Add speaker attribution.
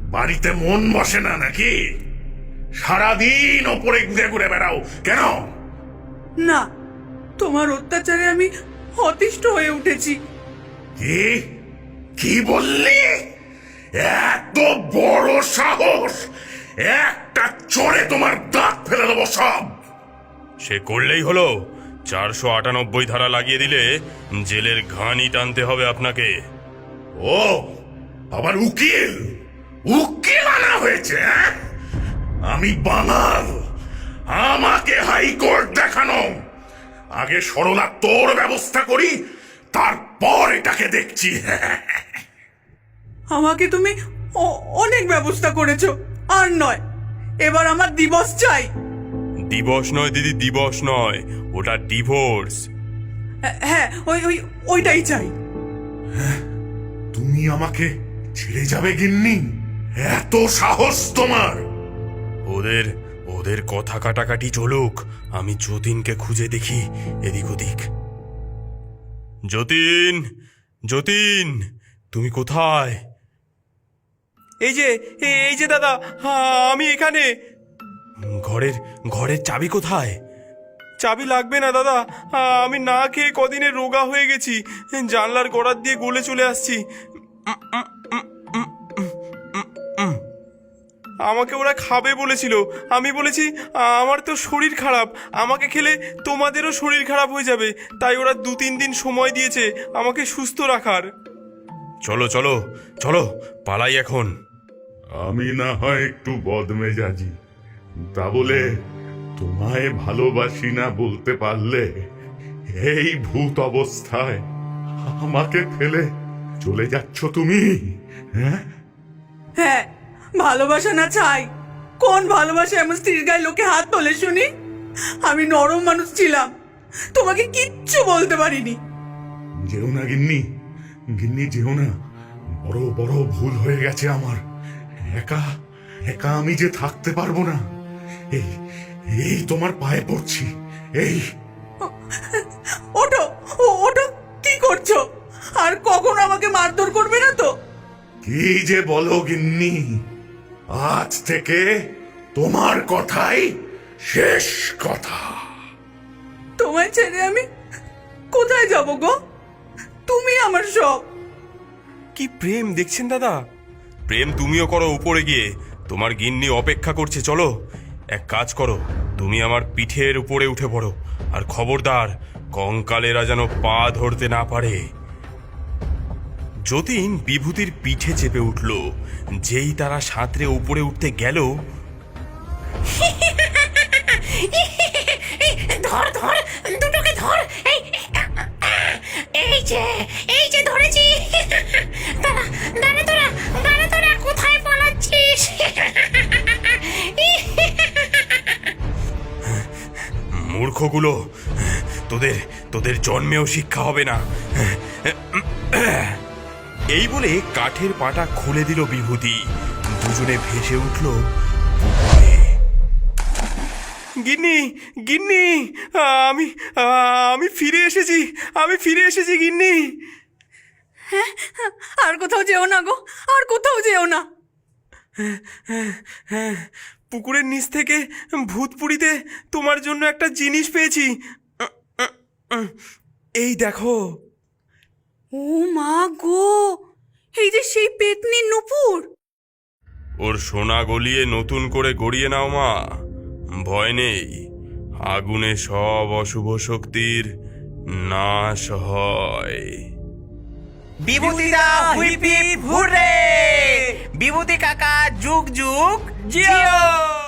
Speaker 1: বাড়িতে মন বসে না নাকি? সারাদিন ওপরে ঘুরে ঘুরে বেড়াও কেন?
Speaker 2: না, তোমার অত্যাচারে আমি অতিষ্ঠ হয়ে উঠেছি।
Speaker 1: কি কি বললি? এত বড় সাহস! একটা চড়ে তোমার দাঁত ফেলে দেবো সব।
Speaker 3: সে করলেই হলো। 498 ধারা লাগিয়ে দিলে জেলের ঘানি টানতে হবে আপনাকে।
Speaker 1: ও আবার উকিল উকিল আনা হয়েছে? আমি বাঙাল, আমাকে হাইকোর্ট দেখানো। আগে সরলা তোর ব্যবস্থা করি, তারপর এটাকে দেখছি।
Speaker 2: আমাকে তুমি অনেক ব্যবস্থা করেছো, আর নয়, এবার আমার দিবস চাই।
Speaker 3: দিবস নয় দিদি, দিবস নয়, ওটা ডিভোর্স।
Speaker 2: হ্যাঁ, ওইটাই চাই।
Speaker 1: তুমি আমাকে ছেড়ে যাবে গিন্নি? এত সাহস তোমার?
Speaker 3: ওদের ওদের কথা কাটাকাটি চলুক, আমি যতীনকে খুঁজে দেখি এদিক ওদিক। যতীন, যতীন, তুমি কোথায়? এই যে দাদা, আমি এখানে। ঘরের চাবি কোথায়? চাবি লাগবে না দাদা, আমি না খেয়ে কদিনে রোগা হয়ে গেছি, জানলার গোড়ার দিয়ে গলে চলে আসছি। আমাকে ওরা খাবে বলেছিল, আমি বলেছি আমার তো শরীর খারাপ, আমাকে খেলে তোমাদেরও শরীর খারাপ হয়ে যাবে, তাই ওরা 2-3 দিন সময় দিয়েছে আমাকে সুস্থ রাখার। চলো চলো চলো, পালাই এখন।
Speaker 1: আমি না হয় একটু বদমেজাজি, তা বলে তোমায় ভালোবাসি না বলতে পারলে এই ভূত অবস্থায় আমাকে ফেলে চলে যাচ্ছ তুমি?
Speaker 2: হ্যাঁ, ভালোবাসা না চাই? কোন ভালোবাসা এমন স্ত্রীর গায়ে লোকে হাত তোলে শুনি? আমি নরম মানুষ ছিলাম, তোমাকে কিচ্ছু বলতে পারিনি।
Speaker 1: যেও না গিন্নি, গিন্নি যেও না। বড় বড় ভুল হয়ে গেছে আমার। একা একা আমি যে থাকতে পারবো না। এই এই তোমার পায়ে পড়ছি। এই
Speaker 2: ওঠো, ওঠো, কি করছো? আর কখনো আমাকে মারধর করবে না তো?
Speaker 1: কি যে বলো গিন্নি, আজ থেকে তোমার কথাই শেষ কথা।
Speaker 2: তোমায় ছেড়ে আমি কোথায় যাব গো? তুমি আমার সব।
Speaker 3: কি প্রেম দেখছেন দাদা, প্রেম তুমিও করো উপরে গিয়ে, তোমার গিন্নি অপেক্ষা করছে। চলো, এক কাজ করো, তুমি আমার পিঠের উপরে উঠে পড়ো, আর খবরদার কঙ্কালেরা যেন পা ধরতে না পারে। যতীন বিভূতির পিঠে চেপে উঠল। যেই তারা সাঁতরে উপরে উঠতে গেল,
Speaker 4: ধর ধর, দুটোকে ধর। এই যে ধরেছি। দাঁড়া তোরা কোথায় পালাচ্ছিস?
Speaker 3: মূর্খগুলো, তোদের জন্মেও শিক্ষা হবে না। এই বলে কাঠের পাটা খুলে দিল বিভূতি। দুজনে ভেসে উঠল। গিন্নি, গিন্নি, আমি ফিরে এসেছি, গিন্নি।
Speaker 2: হ্যাঁ, আর কোথাও যেও না গো, আর কোথাও যেও না।
Speaker 3: পুকুরের নিচ থেকে ভূতপুরিতে তোমার জন্য একটা জিনিস পেয়েছি, এই দেখো।
Speaker 2: ও মা গো, এই যে সেই পেতনি নূপুর।
Speaker 3: ওর সোনা গলিয়ে নতুন করে গড়িয়ে নাও মা, ভয় নেই, আগুনে সব অশুভ শক্তির নাশ হয়।
Speaker 5: বিভূতিদা হুইপ হুপ হুররে! বিভূতি কাকা যুগ যুগ জিও!